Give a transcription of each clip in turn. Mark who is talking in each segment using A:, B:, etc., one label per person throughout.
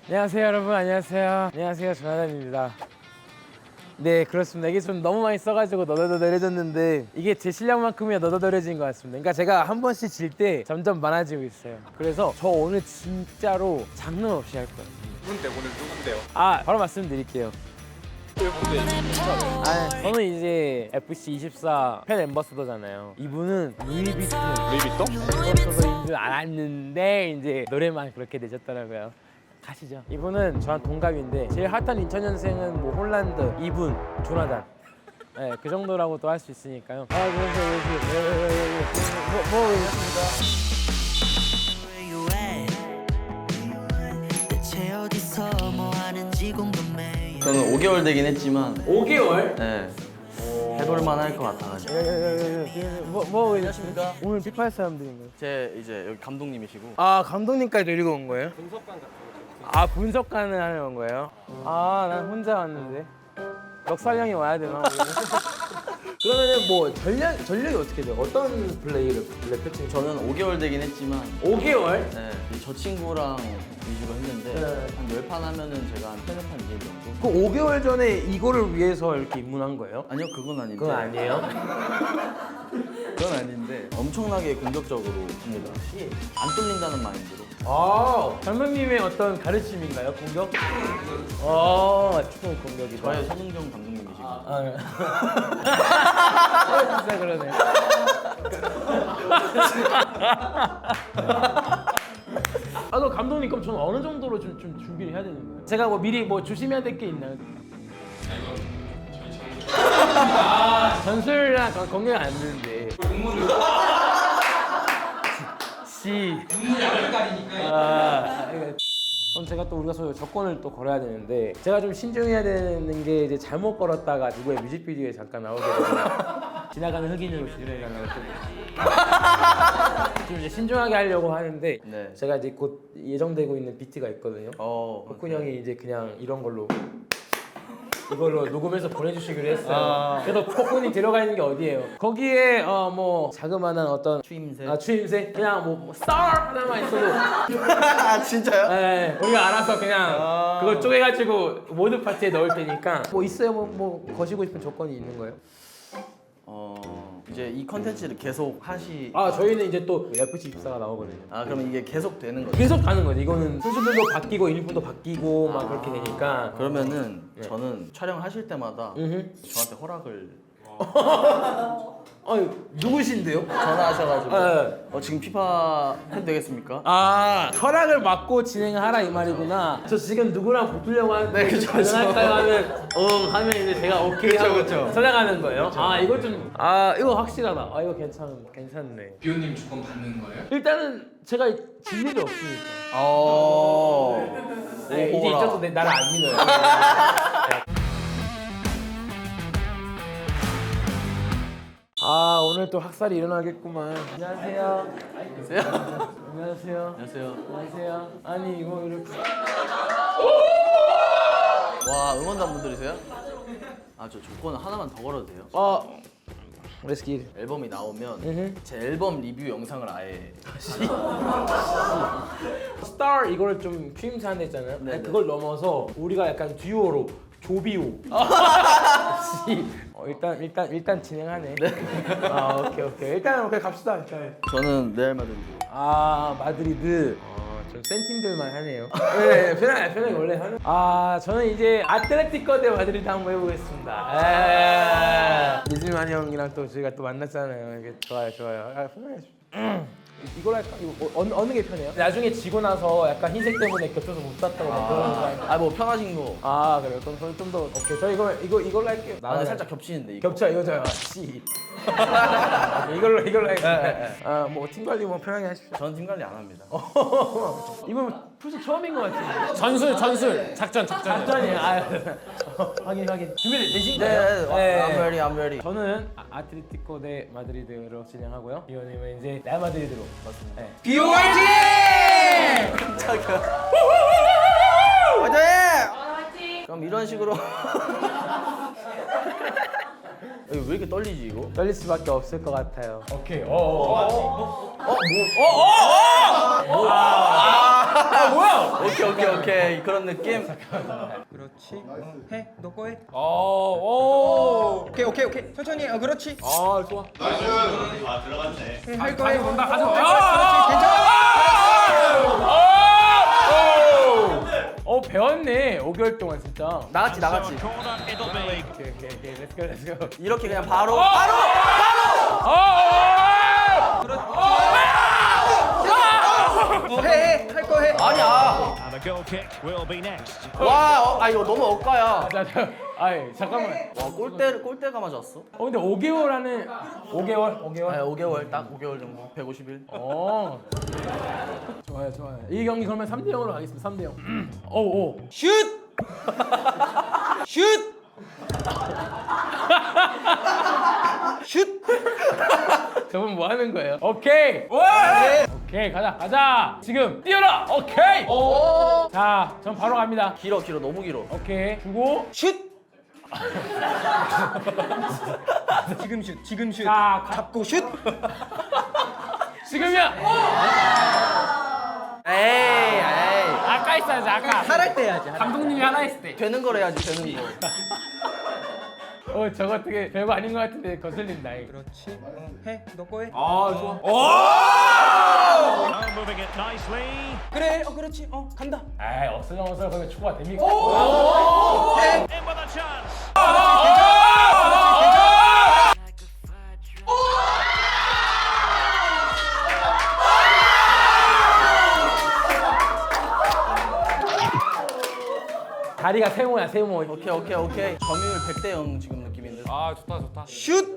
A: 안녕하세요 여러분. 안녕하세요 조나단입니다. 네 그렇습니다. 이게 좀 너무 많이 써가지고 너덜너덜해졌는데 이게 제 실력만큼이야 너덜너덜해진 것 같습니다. 그러니까 제가 한 번씩 질 때 점점 많아지고 있어요. 그래서 저 오늘 진짜로 장난 없이 할 거예요.
B: 누군데 오늘 누군데요?
A: 바로 말씀드릴게요. 저는 이제 FC24 팬 앰버서더잖아요. 이분은 루이비통 앰버서더인 줄 알았는데 이제 노래만 그렇게 되셨더라고요. 가시죠. 이분은 저랑 동갑인데 제일 핫한 2000년생은 뭐 홀란드, 이분, 조나단. 네, 그 정도라고 또 할 수 있으니까요. 뭐
C: 저는 5개월 되긴 했지만
A: 5개월?
C: 네, 해볼만 할 것 같아가지고.
A: 뭐 안녕하십니까? 오늘 피파할 사람들인가요?
C: 제 이제 여기 감독님이시고.
A: 아 감독님까지 데리고 온 거예요? 분석관 같은 거. 아 분석관을 하러 온 거예요? 아 난 혼자 왔는데 넉살형이 와야 되나? 그러면은 뭐 전력이 어떻게 돼요? 어떤 플레이를 펼치는?
C: 저는 5개월 되긴 했지만
A: 5개월?
C: 네, 저 친구랑 위주로 했는데
A: 네.
C: 한 10판 하면은 제가 한 3-4판 이길 정도?
A: 그 5개월 전에 이거를 위해서 이렇게 입문한 거예요?
C: 아니요, 그건 아닌데.
A: 그건 아니에요?
C: 그건 아닌데 엄청나게 공격적으로 합니다. 안 뚫린다는 마인드로.
A: 아 감독님의 어떤 가르침인가요? 공격? 아 축구 공격이다.
C: 저의 손흥정 감독님이시고.
A: 진짜 그러네. 너 감독님 그럼 저는 어느 정도로 좀 준비를 해야 되는 거예요? 제가 뭐 미리 뭐 조심해야 될 게 있나요? 전술이랑 건강 안 되는데.
B: 눈물을 가리니까.
A: 그럼 제가 또 우리가 서로 조건을 또 걸어야 되는데 제가 좀 신중해야 되는 게 이제 잘못 걸었다가 누구의 뮤직비디오에 잠깐 나오게 되면 지나가는 흑인으로 지내가는 좀 이제 신중하게 하려고 하는데
C: 네.
A: 제가 이제 곧 예정되고 있는 비트가 있거든요. 덕훈
C: 네.
A: 형이 이제 그냥 이런 걸로 이걸로 녹음해서 보내주시기로 했어요. 그래서 폭군이 들어가 있는 게 어디예요? 거기에 뭐 자그마한 어떤
C: 추임새.
A: 추임새? 그냥 뭐 star 하나만 있어도
C: 아, 진짜요?
A: 네, 우리가 알아서 그냥 그걸 쪼개가지고 모든 파트에 넣을 테니까 뭐 있어요? 뭐 거시고 싶은 조건이 있는 거예요?
C: 이제 이 컨텐츠를 계속
A: 저희는 이제 또 FC24가 나오거든요.
C: 그러면 이게 계속 되는 거죠?
A: 계속 가는 거죠. 이거는 선수들도 바뀌고 유니폼도 바뀌고 막 그렇게 되니까.
C: 그러면은 저는 촬영하실 때마다 저한테 허락을
A: 누구신데요?
C: 전화하셔가지고 지금 피파 해도 되겠습니까?
A: 허락을 받고 진행하라 이 말이구나. 저 지금 누구랑 붙으려고 하는데
C: 그쵸,
A: 가능할까요? 하면 하면 이제 제가 오케이 하고 찾아가는 거예요. 이거 좀 이거 확실하다. 이거 괜찮네.
B: 비오님 조건 받는 거예요?
A: 일단은 제가 질 일이 없으니까. 이제
C: 오호라.
A: 이쪽도 나를 안 믿어요. 오늘 또 학살이 일어나겠구만. 안녕하세요. 안녕하세요. 아니 이거 이렇게.
C: 와, 응원단 분들이세요? 저 조건 하나만 더 걸어도 돼요?
A: Let's get it.
C: 앨범이 나오면 제 앨범 리뷰 영상을 아예
A: 스타 이걸 좀 추임새 한다 했잖아요.
C: 네, 네.
A: 그걸 넘어서 우리가 약간 듀오로 조비오. 일단 진행하네. 오케이. 일단 갑시다. 일단.
C: 저는 레알 마드리드.
A: 마드리드. 좀 센 팀들만 하네요. 네, 편하게 원래 하는. 저는 이제 아틀레티코 대 마드리드 한번 해보겠습니다. 이슬만 형이랑 또 저희가 또 만났잖아요. 이게 좋아요. 편하게 하십시오. 이걸 할까? 이거 어느 게 편해요? 나중에 지고 나서 약간 흰색 때문에 겹쳐서 못 샀다고 막 그러는 거 아니에요?
C: 뭐 편하신 거.
A: 그래요? 그럼 저는 좀 더 오케이. 저 이걸로 할게요.
C: 나는 살짝 겹치는데 이거.
A: 겹쳐 이거죠. 이걸로 할게요. 뭐 팀 관리 뭐 편하게 하십시오.
C: 저는 팀 관리 안 합니다.
A: 이번 풀스 처음인 것 같은데.
B: 전술 작전.
A: 작전이야. 확인. 준비되신가요?
C: 네. I'm ready.
A: 저는 아틀레티코 대 마드리드로 진행하고요. 이호님은 이제 레알 마드리드로.
C: 맞습니다.
A: 네.
B: 비오 화이팅!
C: 화이팅! 그럼 이런 식으로. 왜 이렇게 떨리지 이거?
A: 떨릴 수밖에 없을 것 같아요.
B: 오케이.
A: 뭐야?
C: 오케이 그런 느낌.
D: 그렇지. 해. 너 거 해.
A: 오.
D: 오케이. 천천히. 그렇지.
A: 아, 좋아.
D: 해, 할 거 해.
A: 간다, 가져.
D: 그렇지. 괜찮아.
A: 배웠네. 5개월 동안 진짜.
C: 나갔지.
A: 오케이, 렛츠고.
C: 이렇게 그냥 바로.
D: 해. 할 거 해.
C: 아니야.
E: And a goal kick will be next.
C: 와, 이거 너무 억까야.
A: 아이, 잠깐만.
C: 와, 골대가 맞았어.
A: 근데 5개월 안에 5개월?
C: 네, 5개월 딱 5개월 정도. 150일.
A: 좋아요. 이 경기 그러면 3대 0으로 가겠습니다. 3대 0. 오.
D: 슛. 슛. 슛.
A: 저분 뭐 하는 거예요? 오케이. 오케이, 가자. 지금 뛰어라. 오케이. 자, 전 바로 갑니다.
C: 길어 너무 길어.
A: 오케이. 주고
D: 슛. 지금 슛.
A: 자,
D: 잡고 슛.
A: 지금이야.
C: 에이.
A: 아까 있어야지. 아까.
D: 할할 때 해야지.
A: 감독님이 하나 했을 때.
C: 되는 걸 해야지 되는 거.
A: 저거 어떻게 별거 아닌 것 같은데 거슬린다.
D: 그렇지. 해. 너 거 해.
A: 좋아.
E: Now moving it nicely.
D: 그래. 그렇지. 간다.
A: 에이, 어슬렁어슬렁 그러면 축구가 됩니까?
E: In with a chance.
A: 다리가 세모야, 세모.
C: 오케이. 점유율 100대 0 지금 느낌인데.
A: 아, 좋다.
D: 슛.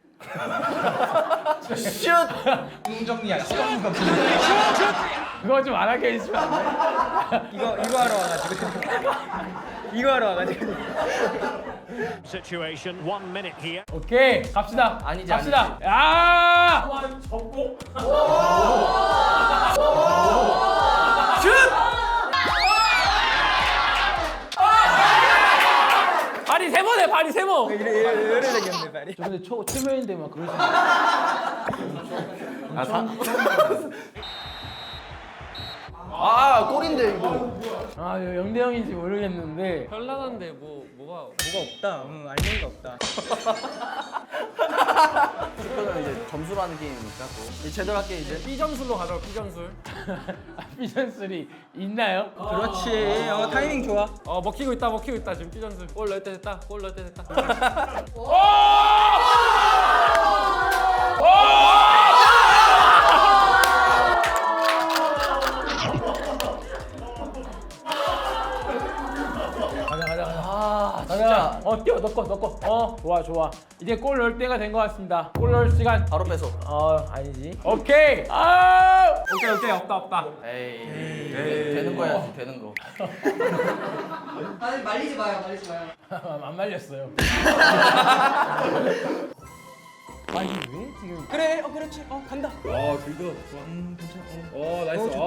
C: 슛!
D: 공정리야. 시간가.
A: 그거 좀 안 하게 해주시면 안 돼?
D: 이거 하러 와가지고. 이거 하러 와가지고.
E: Situation 1 minute here.
A: 오케이, 갑시다.
C: 아니지.
A: 갑시다. 야! 접고. 슛! 발이 세모네, 발이 세모.
D: 이래 되겠네 말이.
A: 저 근데 초면인데 막 그러지.
C: 골인데 이거.
A: 0대 0인지 모르겠는데.
D: 현란한데 뭐가 없다. 알맹이가 없다.
C: 축구는 이제 점수라는 게임이니까 또. 이제 제대로 할게 이제.
A: B점술로 가자, B점술. B점술이 있나요?
D: 그렇지. 타이밍 좋아.
A: 먹히고 있다 지금 B점술. 골 넣을 때 됐다. 가자.
C: 진짜.
A: 뛰어, 넣고. 좋아. 이제 골 넣을 때가 된 것 같습니다. 골 넣을 시간.
C: 바로 뺏어.
A: 아니지. 오케이. 오케이. 없다.
C: 에이. 되는 거 해야지 되는 거.
F: 아니 말리지 마요.
A: 안 말렸어요. 아니 왜 지금?
D: 그래. 그렇지. 간다.
A: 들도.
D: 괜찮아.
A: 나이스.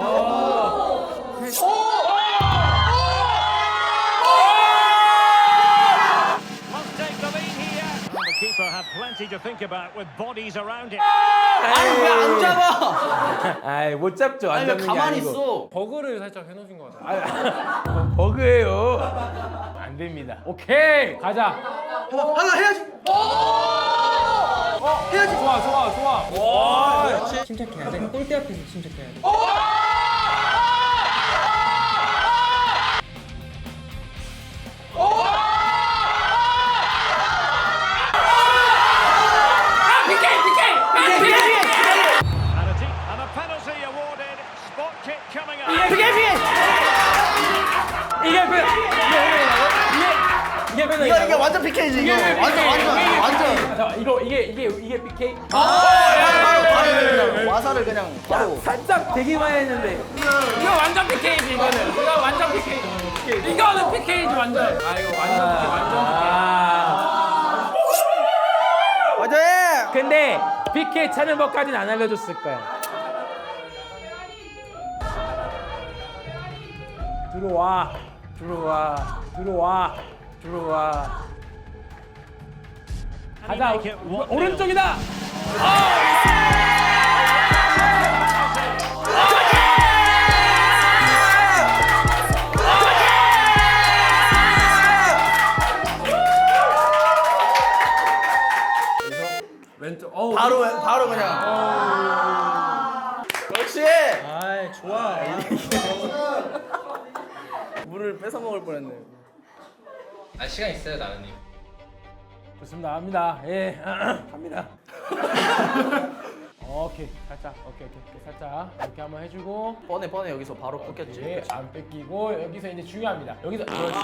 E: Must take the lead here. And the keeper had plenty to think about with bodies around it.
C: 아니 왜 안 잡아?
A: 아이 못 잡죠. 안
C: 아니 왜
A: 잡는 게
C: 가만히
A: 아니고.
C: 있어?
A: 버그를 살짝 해놓으신 것 같아요. 버그예요. 안 됩니다. 오케이, 가자.
D: 하나 해야지. 해야지.
A: 좋아.
D: 그렇지. 침착해야 돼. 골대 앞에서 침착해야 돼.
E: And a penalty awarded. Spot kick coming up.
C: 이게 완전 PK지 이거. 완전.
A: 자, 이게 PK.
C: 바로 와사를 그냥 바로.
A: 살짝 되기만 했는데. 이거 완전 PK지 이거는. 이거 완전 PK. 이거는 PK지 완전. 이거 완전 PK, 완전 PK.
C: 화이팅!
A: 근데 PK 차는 법까지는 안 알려줬을 거야. 들어와. 가자.
E: make it 1-0.
A: 오른쪽이다.
C: 물을 뺏어 먹을 뻔했네.
B: 아 시간 있어요 나은님.
A: 좋습니다. 갑니다. 예, 갑니다. 오케이, 살짝, 오케이, 살짝 이렇게 한번 해주고,
C: 뻔해 여기서 바로 꺾였지.
A: 예, 안 뺏기고 여기서 이제 중요합니다. 여기서 그렇지.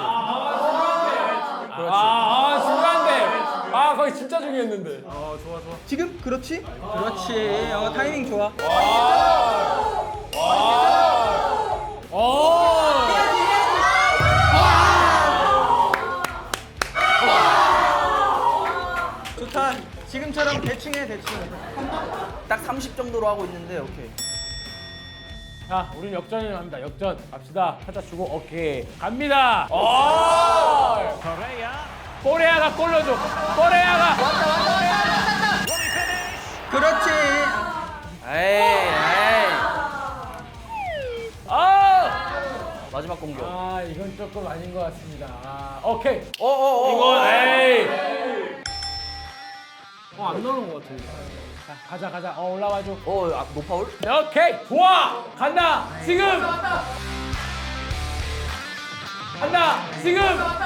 A: 중요한데. 거기 진짜 중요했는데.
D: 지금 그렇지? 그렇지. 타이밍 좋아. 좋다. 지금처럼 대충 해 대충.
C: 딱 30 정도로 하고 있는데 오케이.
A: 자, 우린 역전을 합니다. 역전 갑시다. 살짝 주고, 오케이, 갑니다.
E: Correa.
A: 코레아가 골 넣어줘. 코레아가.
E: Will he finish?
D: 그렇지.
C: 에이.
A: 아,
C: 마지막 공격.
A: 이건 조금 아닌 것 같습니다. 오케이.
C: 이건
A: 이건 에이. 안 넣는 것 같은데. 자, 가자. 올라와줘.
C: 노파울?
A: 오케이, 좋아. 간다. 지금. 간다. 지금.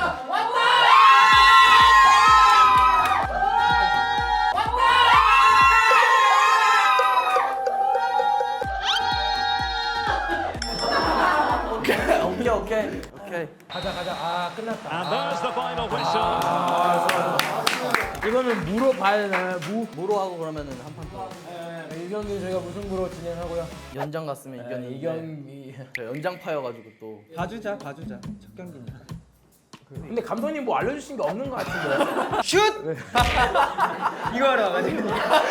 C: 오케이.
A: 가자. 끝났다.
E: And there's the final whistle.
A: 이거는 무로 봐야 되나요?
C: 무로 하고 그러면은 한 판 더.
A: 이 경기 저희가 무승부로 진행하고요.
C: 연장 갔으면 이겼는데.
A: 이 경기.
C: 저 연장파여가지고 또.
D: 봐주자. 첫 경기니까.
A: 근데 감독님 뭐 알려주신 게 없는 것 같은데.
D: 슛! 이거 하러 와가지고.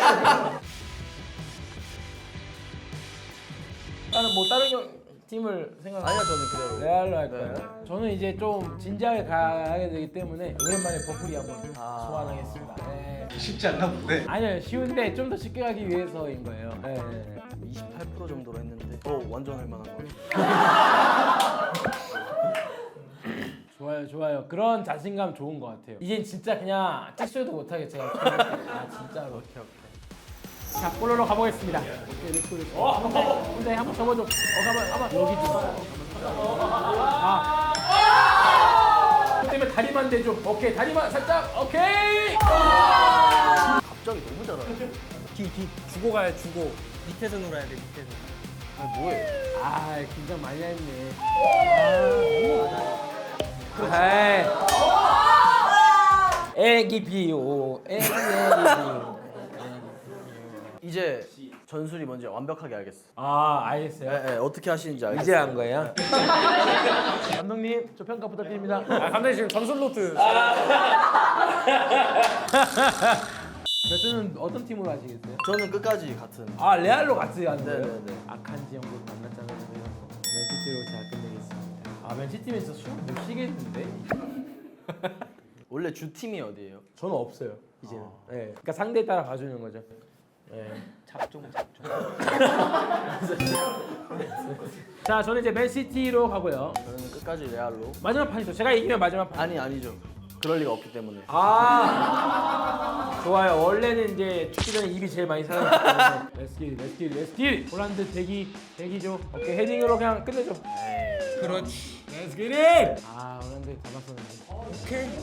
A: 다른 팀을 생각.
C: 아니요 저는 그대로.
A: 레알로 할 거예요. 저는 이제 좀 진지하게 가야 되기 때문에 오랜만에 버플이 한번 소환하겠습니다. 네.
B: 쉽지 않나 본데.
A: 아니요, 쉬운데 좀 더 쉽게 가기 위해서인 거예요. 네.
C: 28% 정도로 했는데. 완전 할만한 거.
A: 좋아요. 그런 자신감 좋은 것 같아요. 이젠 진짜 그냥 찍소리도 못하겠죠. 진짜로. 오케이. 자, 볼로로 가보겠습니다. 오케이, 렛츠고. 혼자 한번 접어줘. 가만. 여기 좀. 그 때문에 다리만 대줘. 오케이, 다리만 살짝. 오케이.
C: 갑자기 너무 잘하네.
D: 뒤. 주고 가야 주고. 밑에서 놀아야 돼 밑에서.
C: 뭐해?
A: 긴장 많이 했네. 애기 비오.
C: 이제 전술이 뭔지 완벽하게 알겠어.
A: 알겠어요.
C: 네, 어떻게 하시는지 알겠어.
A: 이제 한 거예요? 감독님, 저 평가 부탁드립니다. 감독님 지금 전술 노트. 레슨은 어떤 팀으로 하시겠어요?
C: 저는 끝까지 같은.
A: 레알로 같이 하는 거예요?
C: 네네네.
A: 아칸지 형도 만났잖아요. 맨시티로 제가 끝내겠습니다. 맨시티면 진짜 술못 쉬겠는데?
C: 원래 주 팀이 어디예요?
A: 저는 없어요, 이제는. 네. 그러니까 상대에 따라 봐주는 거죠. 네.
D: 작종.
A: 자, 저는 이제 맨시티로 가고요.
C: 저는 끝까지 레알로.
A: 마지막 판이죠. 제가 이기면 마지막 판.
C: 아니죠. 그럴 리가 없기 때문에.
A: 좋아요. 원래는 이제 죽기 전에 입이 제일 많이 살아났기 때문에 Let's get it. 홀란드 대기죠. 오케이, 헤딩으로 그냥 끝내죠.
D: 그렇지.
A: Let's get it. 홀란드 잡았었는데.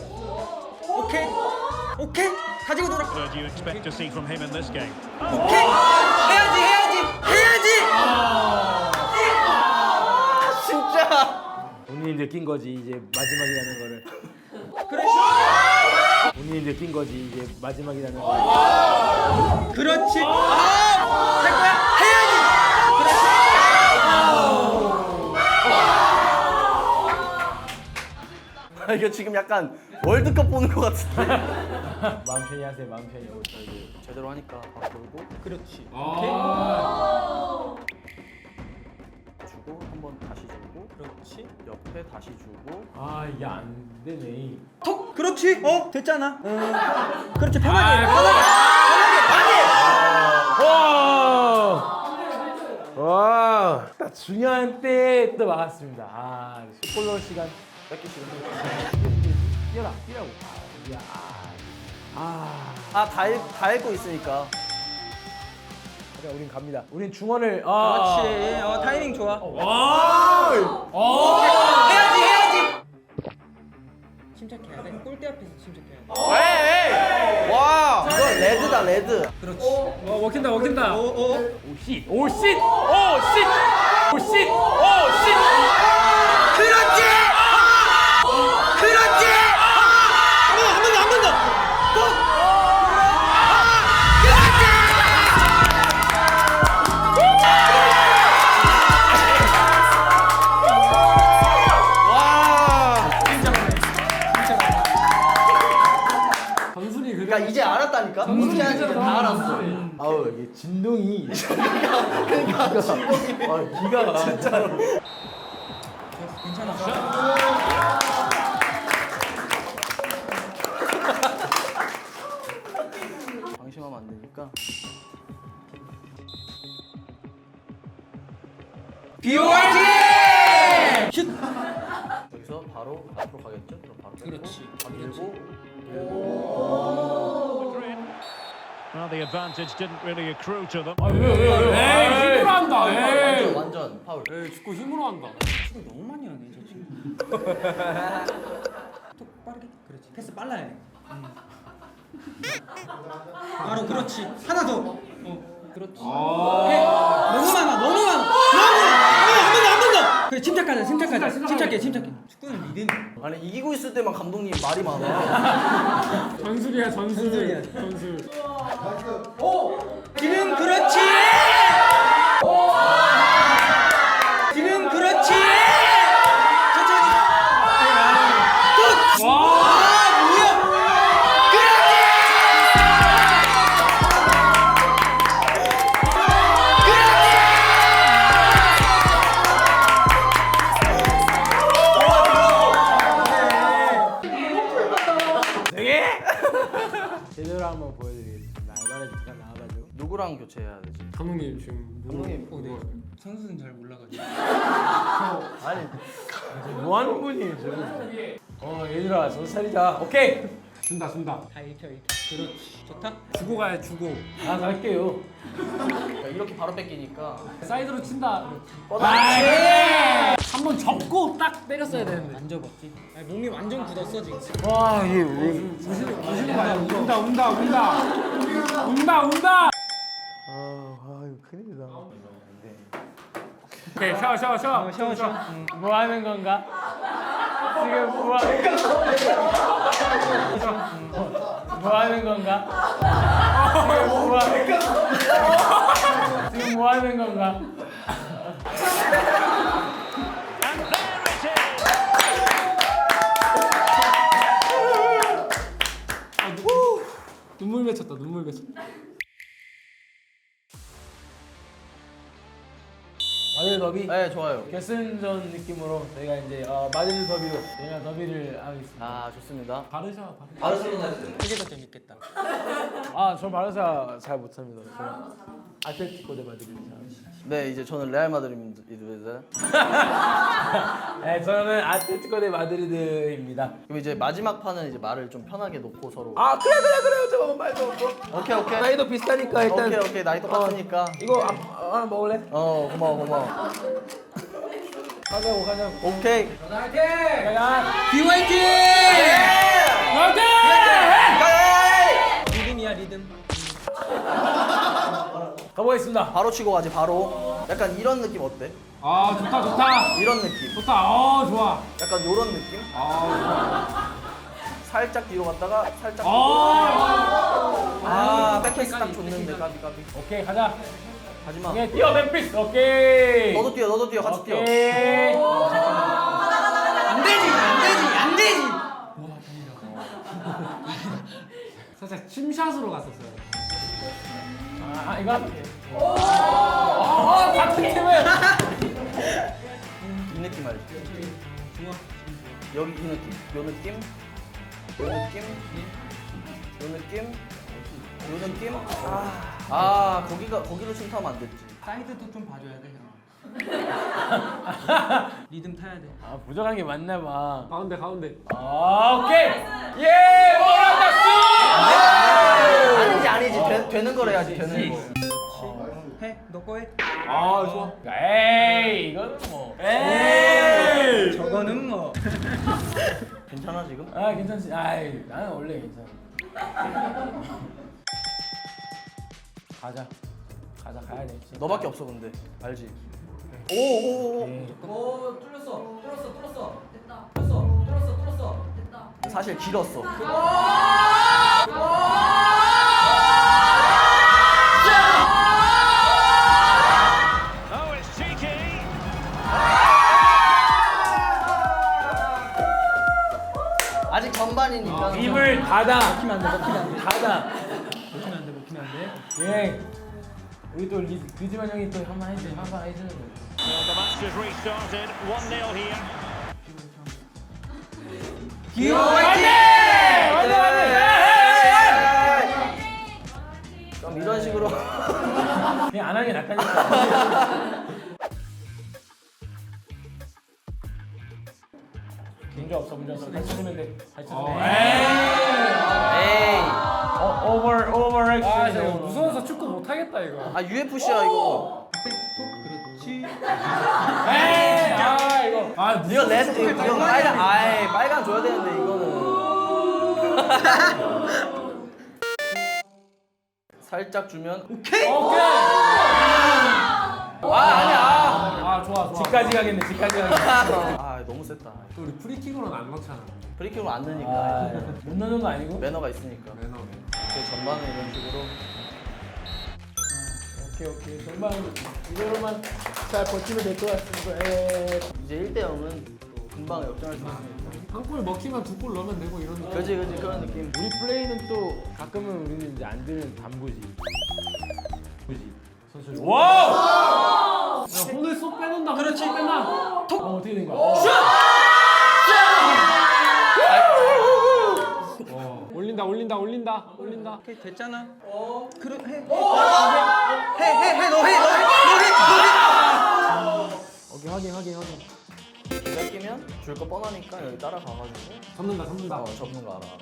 D: 오케이. 가지고 놀아.
E: What do you expect to see from him in this game?
D: 오케이. 해야지.
C: 진짜.
A: 본인이 느낀 거지, 이제 마지막이라는 거를.
D: 그래.
A: 본인이 느낀 거지, 이제 마지막이라는 거를.
D: 그렇지. 할 거야. 해야지.
C: 이거 지금 약간 월드컵 보는 것 같은데.
A: 마음 편히 하세요, 마음 편히.
C: 제대로 하니까 밥 돌고
D: 그렇지.
C: 주고 한번 다시 주고
D: 그렇지.
C: 옆에 다시 주고.
A: 이게 안 되네.
D: 톡. 그렇지. 됐잖아. 그렇지. 편하게.
A: 와, 딱 중요한 때 또 막았습니다. 슈퍼볼 시간
C: 뺏기시는
A: 뛰라고.
C: 다 읽고 있으니까.
A: 우린 갑니다. 우린 중원을
D: 그렇지. 타이밍 좋아. 해야지. 침착해야 돼. 골대 앞에서 침착해야 돼.
C: 와 이거 레드다 레드.
D: 그렇지.
A: 먹힌다.
D: 오.
A: 오씨.
D: 그렇지. 그렇지. 한 번 더.
C: 그러니까 이제 알았다니까. 어떻게 하는지 이제 다 알았어.
A: 아우 이게 진동이.
C: 그러니까 기가 진짜로. 방심하면 안 되니까.
D: 비오아지. 슛.
C: 여기서 바로 앞으로 가겠죠? 그럼 바로 뺏고,
D: 그렇지.
C: 밀고.
E: Well, the advantage didn't really accrue to them.
A: 힘으로 한다.
C: 완전 파울.
A: 축구 힘으로 한다.
D: 지금 너무 많이 하네 저 친구. 톡 빠르게. 그렇지. 패스 빨라야 돼. 바로 그렇지. 하나 더. 그렇지. 너무 많아. 한 번 더. 그래 침착하자. 침착해. 축구는 리듬.
C: 아니 이기고 있을 때만 감독님 말이 많아.
A: 전술이야.
D: 전술.
F: 지금 그렇지. 지금 그렇지. 천천히.
A: 제대로 한번 보여드리겠습니다. 알바레 잠깐 나와가지고.
C: 누구랑 교체해야 되지?
A: 감독님 지금
C: 감독님
D: 네. 선수는 잘 몰라가지고.
A: 아니 뭐 하는 분이에요 지금? 얘들아 정살이자. 오케이. 준다.
D: 다 읽혀. 그렇지. 좋다.
A: 주고 가야 주고. 아 갈게요.
C: 그러니까 이렇게 바로 뺏기니까.
A: 사이드로 친다.
C: 뻗어야지.
A: 한번 접고 딱 때렸어야 되는데.
D: 안 접었지. 아니, 몸이 완전 굳었어 지금.
A: 와 이게 우시는 거야. 운다. 이거 큰일이다. 오케이 샤워. 뭐 하는 건가? 지금 뭐 하는 건가? 지금 뭐 하는 건가?
E: And there it is!
A: 눈물 맺혔다. 마드리드 더비
C: 네 좋아요.
A: 결승전 느낌으로 저희가 이제 마드리드 더비로 저희가 더비를 하겠습니다.
C: 아 좋습니다.
F: 바르셀로나 했어요.
D: 그게 더 재밌겠다.
A: 저 바르사 잘 못합니다. 저는 아틀레티코 대 마드리드 잘합니다.
C: 네 이제 저는 레알 마드리드입니다.
A: 네, 저는 아틀레티코 대 마드리드입니다.
C: 그럼 이제 마지막 판은 이제 말을 좀 편하게 놓고 서로.
A: 그래. 저거 말도 없고.
C: 오케이.
A: 나이도 비슷하니까 일단.
C: 오케이 나이 똑같으니까.
A: 이거 하나 먹을래?
C: 고마워.
A: 가자고.
C: 오케이.
A: 가자.
D: 비와이팅!
A: 화이팅!
D: 리듬이야 리듬.
A: 가보겠습니다.
C: 바로 치고 가지 바로. 약간 이런 느낌 어때?
A: 좋다.
C: 이런 느낌.
A: 좋다. 좋아.
C: 약간 요런 느낌? 살짝 뒤로 갔다가 살짝. 백패스 딱 줬는데 까비.
A: 오케이, 가자.
C: 하지마.
A: 오케이, 뛰어, 멤피스. 오케이.
C: 너도 뛰어 같이 뛰어.
A: 오케이.
D: 안 되지.
A: 살짝 침샷으로 갔었어요. 이거 할게. 같은 팀은.
C: 이 느낌 알지? 여기 이 느낌. 요 느낌. 거기로 침투하면 안 됐지.
D: 사이드도 좀 봐줘야 돼 형. 리듬 타야 돼.
A: 부족한 게 맞나 봐. 가운데. 오케이. 예, 몰랐다.
C: 아니지. 되는 걸 해야지, 되는 거.
F: 너 거 해.
A: 아 좋아. 에이 이거는 뭐.
F: 에이. 저거는 뭐.
C: 괜찮아 지금?
A: 아 괜찮지. 아이 나는 원래 괜찮아. 가자. 가야 돼.
C: 너밖에 없어 근데 알지?
A: 네.
C: 오오오.
F: 오 뚫렸어.
C: 사실 길었어.
E: Oh, it's cheeky.
C: 아직 전반이니까.
A: 입을 닫아.
F: 먹히면 안 돼.
A: 닫아.
F: 먹히면 안 돼.
A: 예. 우리 또 리즈만 형이 또 한번 해주는 거.
E: Well, the match has restarted. 1-0 here.
F: 기호
C: 그럼 이런 식으로.
A: 그냥 안 하는 게 낫다니까. 문제 없어. 다시 치면 돼.
C: 에이.
A: 오버액션.
D: 아 진짜 무서워서 축구 못 하겠다 이거.
C: 아 UFC야 이거.
F: 그렇지.
A: 에이, 이거.
C: 이거 레드 이거 빨간. 아이 빨간 줘야 되는데 이거는. 살짝 주면.
F: 오케이.
C: 아니야.
D: 아 좋아.
A: 집까지 가겠네.
C: 아 너무 셌다.
D: 또 우리 프리킥으로는 안 넣잖아.
C: 프리킥을 안 넣으니까.
A: 못 넣는 거 아니고?
C: 매너가 있으니까.
D: 매너.
C: 그 전반은 이런 식으로.
A: 오케이. 정말 이대로만 잘 버티면 될 것 같습니다. 예.
C: 이제 1대 0은 또 금방 역전할 수 있으니까.
D: 한 골 먹히면 두 골 넣으면 되고 이런 느낌.
C: 그지 그런 느낌.
A: 우리 플레이는 또 가끔은 우리는 이제 안 되는 담보지. 그지? 선수. 와!
D: 야, 손을 쏙 빼놓는다. 그렇지. 빼놔.
A: 어떻게 된 거야?
D: 올린다.
F: 오케이 됐잖아. 그래 해.
A: 오케이 확인.
C: 뺏기면 줄 거 뻔하니까 여기 따라가가지고
D: 접는다.
C: 접는 거 알아.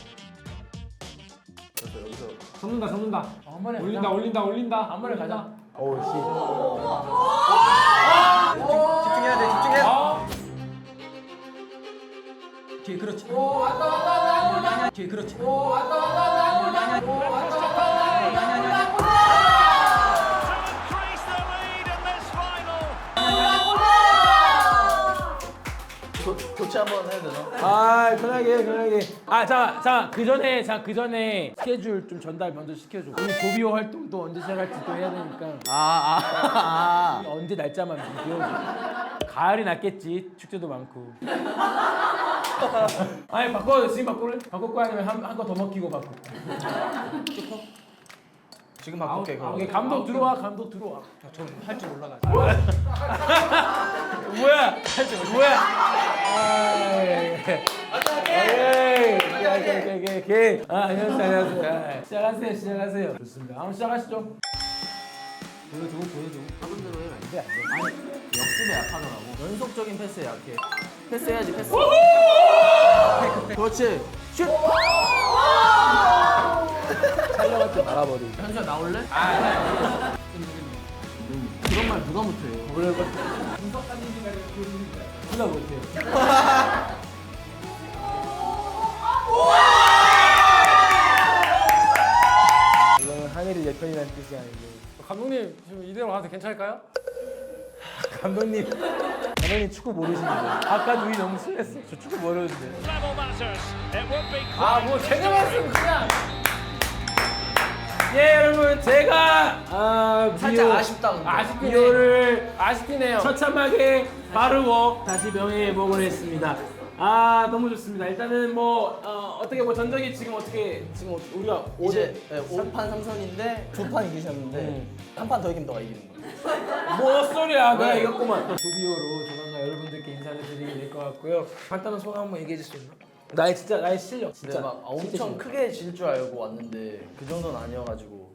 C: 그래서 여기서
D: 접는다.
A: 한 번에
D: 올린다.
A: 한 번에 가자. 오 씨.
F: 집중해야 돼. 뒤에 그렇지. 뒤에 그렇지.
E: Increase the lead in this final.
C: 교체 한번 해야 되나?
A: 아 편하게. 자 그 전에 스케줄 좀 전달 먼저 시켜줘. 우리 조비오 활동도 언제 시작할지 또 해야 되니까 언제 날짜만 좀 비워줘. 가을이 낫겠지. 축제도 많고. 아니 지금 바꿀래? 바꿀 거야 아니면 한 거 더 먹히고 바꿀 거야?
C: 지금 바꿀게 그럼.
A: 오케이 감독 들어와.
F: 할 줄 몰라가지고.
A: 뭐야? 오케이. 안녕하세요. 시작하세요. 좋습니다. 한번 시작하시죠. 보여주고.
C: 하던 대로 해.
A: 안 돼.
C: 역습에 약하더라고. 연속적인 패스에 약해. 패스해야지 패스. 그렇지. 슛.
A: 촬영할 때 말아버리.
C: 현수야 나올래? 그런 말 누가 못해요?
A: 누가 못해요. 이거는 하늘이 내 편이라는 뜻이 아닌데.
D: 감독님 지금 이대로 가도 괜찮을까요?
A: 감독님 축구 모르시는데. 아까 눈이 너무 심했어. 저 축구 모르는데.
E: Level matters. It would be
D: 뭐 제대로 했으면 그냥.
A: 예 여러분 제가
C: 살짝 아쉽다 근데.
A: 비오를 아쉽네요. 처참하게 바르고 다시 명예회복을 했습니다. 너무 좋습니다. 일단은 어떻게 전적이 지금 우리가
C: 이제 5판 3선인데 2판 이기셨는데 한 판 더 이기면 너가 이기는 거야.
A: 뭐 소리야? 내가 이겼구만. 조비오로 조만간 여러분들께 인사를 드리게 될 것 같고요. 간단한 소감 한번 얘기해 줄 수 있나? 나의 실력
C: 진짜
A: 진짜
C: 막 엄청 크게 질 줄 알고 왔는데 그 정도는 아니어가지고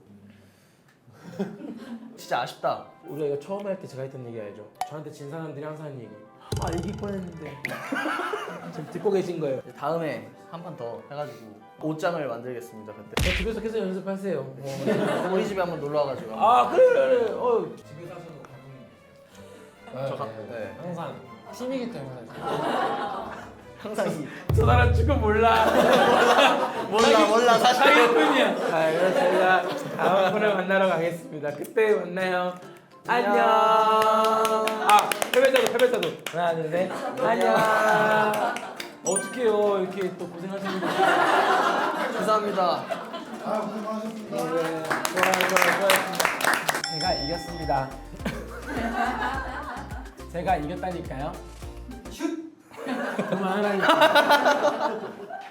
C: 진짜 아쉽다.
A: 우리가 이거 처음 할 때 제가 했던 얘기 알죠? 저한테 진 사람들이 항상 하는 얘기. 아 이길 뻔했는데. 지금 듣고 계신 거예요.
C: 다음에 한 판 더 해가지고 옷장을 만들겠습니다. 그때
A: 집에서 계속 연습하세요.
C: 우리 집에 한번 놀러 와가지고.
A: 아 그래.
C: 네.
A: 항상 팀이기 때문에.
C: 항상 이
A: 저 사람 축구 몰라.
C: 몰라 사실.
A: 사기꾼이야. 자, 그래서 저희가 다음 분을 만나러 가겠습니다. 그때 만나요. 안녕. 아, 패배자도. 하나, 둘, 셋. 안녕. 어떡해요. 이렇게 또 고생하시는데.
C: 감사합니다.
A: 수고하셨습니다. 제가 이겼습니다. 제가 이겼다니까요. 슛! 그만하라니까.